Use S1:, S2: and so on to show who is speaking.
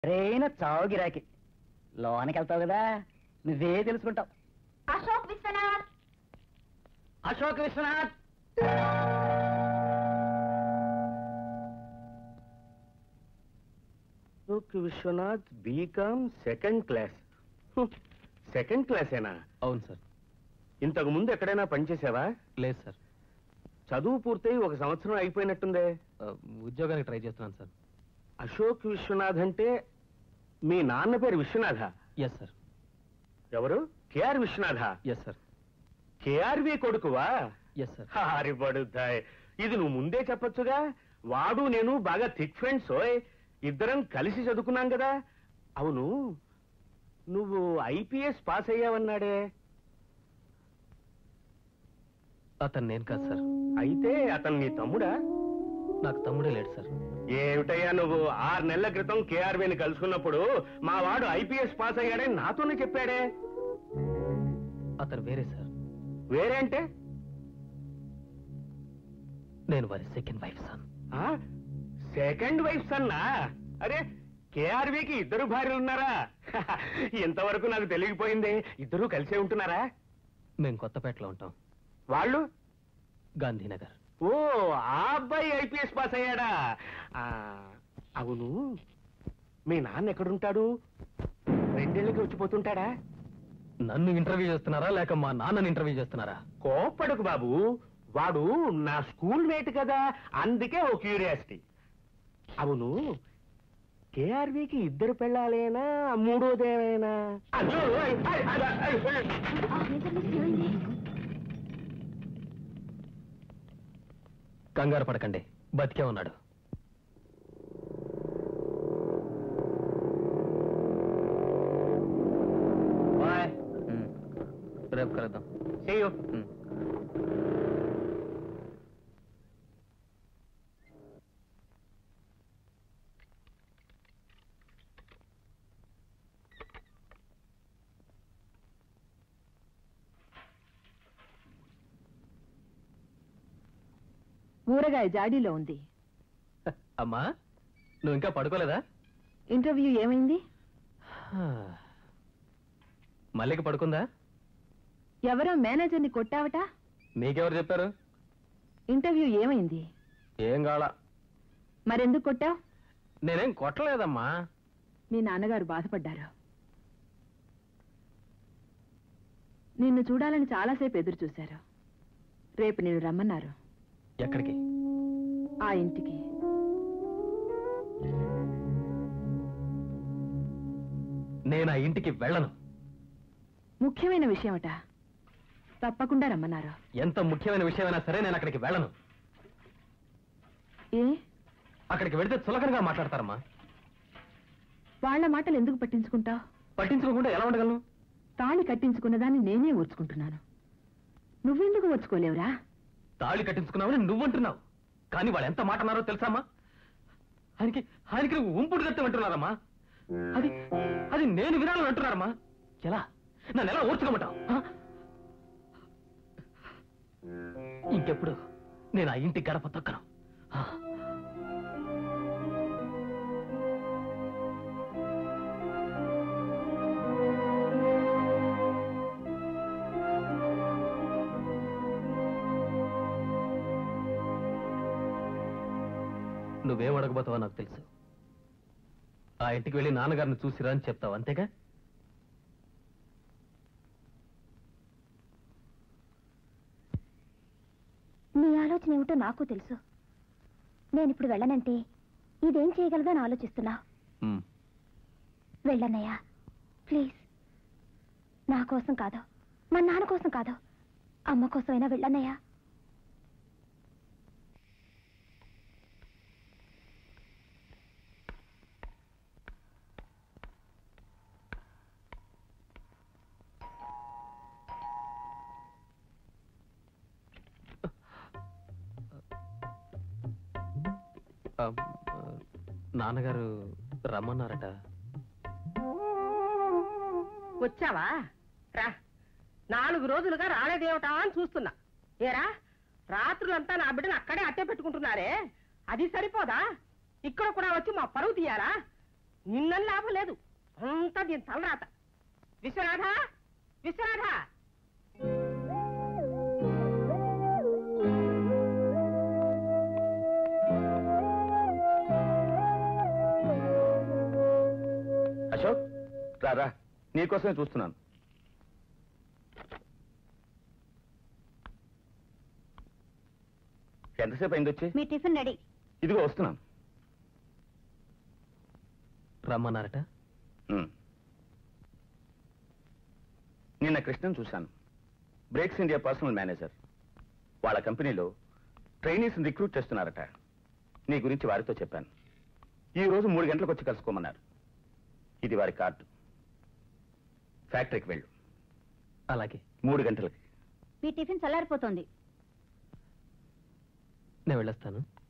S1: రేన చావు గిరాకి లోనికి వెళ్తావు కదా నువ్వే తెలుసుకుంటావు.
S2: Ashok Vishwanath,
S1: Ashok Vishwanath.
S3: Ashok Vishwanath BCom second class. Second క్లాసేనా?
S4: అవును సార్.
S3: ఇంతకు ముందు ఎక్కడైనా పనిచేసావా?
S4: లేదు సార్.
S3: చదువు పూర్తయి 1 సంవత్సరం అయిపోయినట్టుందే.
S4: ఉద్యోగానికి ట్రై చేస్తున్నాను సార్.
S3: అశోక్ విశ్వనాథ్ అంటే మీ నాన్న పేరు విశ్వనాథ?
S4: Yes sir.
S3: ఎవరు? KR Vishwanatha?
S4: Yes sir.
S3: KRV కొడుకువా?
S4: Yes sir.
S3: హారిపడుతాయి. ఇది నువ్వు ముందే చెప్పొచ్చుగా. వాడు నేను బాగా థిక్ ఫ్రెండ్స్. ఇద్దరం కలిసి చదువుకున్నాం కదా. అవును, నువ్వు ఐపీఎస్ పాస్ అయ్యావన్నాడే,
S4: అతను నేను కాదు సార్.
S3: అయితే అతను నీ తమ్ముడా?
S4: నాకు తమ్ముడే లేడు సార్.
S3: ఏమిటయ్యా నువ్వు? 6 నెలల క్రితం కేఆర్బీని కలుసుకున్నప్పుడు మా వాడు ఐపీఎస్ పాస్ అయ్యాడని నాతోనే చెప్పాడే.
S4: అతను వేరే సార్.
S3: వేరే అంటే?
S4: నేను వారి second wife son.
S3: Second wife సన్నా? అరే, కేఆర్బీకి 2 భార్యలు ఉన్నారా? ఇంతవరకు నాకు తెలియకపోయింది. ఇద్దరూ కలిసే ఉంటున్నారా?
S4: మేము కొత్తపేటలో ఉంటాం.
S3: వాళ్ళు?
S4: గాంధీనగర్.
S3: ఓ, ఆ అబ్బాయి ఐపీఎస్ పాస్ అయ్యాడా? అవును, మీ నాన్న ఎక్కడుంటాడు? 2 ఏళ్ళకి వచ్చిపోతుంటాడా?
S4: నన్ను ఇంటర్వ్యూ చేస్తున్నారా లేక మా నాన్నని ఇంటర్వ్యూ చేస్తున్నారా?
S3: కోప్పడకు బాబు, వాడు నా స్కూల్ మేట్ కదా, అందుకే ఓ క్యూరియాసిటీ. అవును, కేఆర్బీకి 2 పెళ్ళాలేనా, 3వదేమైనా?
S4: కంగారు పడకండి, బతికే ఉన్నాడు. రేపు కలుద్దాం.
S2: ఊరగాయ జాడీలో ఉంది.
S4: అమ్మా, నువ్వు ఇంకా పడుకోలేదా?
S2: ఇంటర్వ్యూ ఏమైంది?
S4: మల్లిక పడుకుందా?
S2: ఎవరో మేనేజర్ని కొట్టావట?
S4: నీకెవరు చెప్పారు?
S2: ఇంటర్వ్యూ ఏమైంది?
S4: ఏం కావాలా?
S2: మరెందుకు కొట్టావు?
S4: నేనేం కొట్టలేదమ్మా.
S2: మీ నాన్నగారు బాధపడ్డారు. నిన్ను చూడాలని చాలాసేపు ఎదురు చూశారు. రేపు నిన్ను రమ్మన్నారు.
S4: ఎక్కడికి?
S2: ఆ ఇంటికి.
S4: నేను ఆ ఇంటికి వెళ్ళను.
S2: ముఖ్యమైన విషయమట, తప్పకుండా రమ్మన్నారు.
S4: ఎంత ముఖ్యమైన విషయమైనా సరే నేను అక్కడికి వెళ్ళను.
S2: ఏ?
S4: అక్కడికి వెళితే చులకనగా మాట్లాడతారమ్మా.
S2: వాళ్ల మాటలు ఎందుకు పట్టించుకుంటావు?
S4: పట్టించుకోకుండా ఎలా ఉండగలను?
S2: తాళి కట్టించుకున్నదాన్ని నేనే ఓర్చుకుంటున్నాను. నువ్వెందుకు ఓర్చుకోలేవురా?
S4: తాళి కట్టించుకున్నావని నువ్వంటున్నావు, కానీ వాళ్ళు ఎంత మాట అన్నారో తెలుసామ్మా? ఆయనకి నువ్వు ఉంపుడు కట్టి అంటున్నారమ్మా. అది నేను వినాలని అంటున్నారమ్మా. ఎలా? నన్ను ఎలా ఓర్చుకోమంటావు? ఇంకెప్పుడు నేను ఆ ఇంటి గడప తొక్కను. నువ్వేం అడగబోతావో నాకు తెలుసు. ఆ ఇంటికి వెళ్ళి నాన్నగారిని చూసిరా అని చెప్తావు, అంతేగా?
S5: నీ ఆలోచన ఏమిటో నాకు తెలుసు. నేనిప్పుడు వెళ్ళనంటే ఇదేం చేయగలదని ఆలోచిస్తున్నా. వెళ్ళన్నయ్యా, ప్లీజ్. నా కోసం కాదు, మా నాన్న కోసం కాదు, అమ్మ కోసమైనా వెళ్ళన్నయ్యా.
S4: నాన్నగారు రమ్మన్నారట.
S6: వచ్చావా? రా. 4 రోజులుగా రాలేదేమిటా అని చూస్తున్నా. ఏరా, రాత్రులంతా నా బిడ్డను అక్కడే అట్టే పెట్టుకుంటున్నారే, అది సరిపోదా? ఇక్కడ కూడా వచ్చి మా పరువు తీయాలా? నిన్నని లాభం లేదు, అంతా దీని తలరాత. విశ్వనాథ, విశ్వనాథ!
S3: అశోక్, రారా, నీకోసమే చూస్తున్నాను. ఎంతసేపు అయింది వచ్చి?
S5: మీ టిఫిన్ రెడీ.
S3: ఇదిగో వస్తున్నాను.
S4: రమ్మన్నారట.
S3: నిన్న కృష్ణన్ చూశాను. Brakes India personal manager. వాళ్ళ కంపెనీలో ట్రైనీస్ రిక్రూట్ చేస్తున్నారట. నీ గురించి వారితో చెప్పాను. ఈ రోజు 3 గంటలకు వచ్చి కలుసుకోమన్నారు. ఇది వారి కార్డు. ఫ్యాక్టరీకి వెళ్ళు.
S4: అలాగే.
S3: 3 గంటలకి.
S5: మీ టిఫిన్ చల్లారిపోతుంది.
S4: నేను వెళ్ళొస్తాను.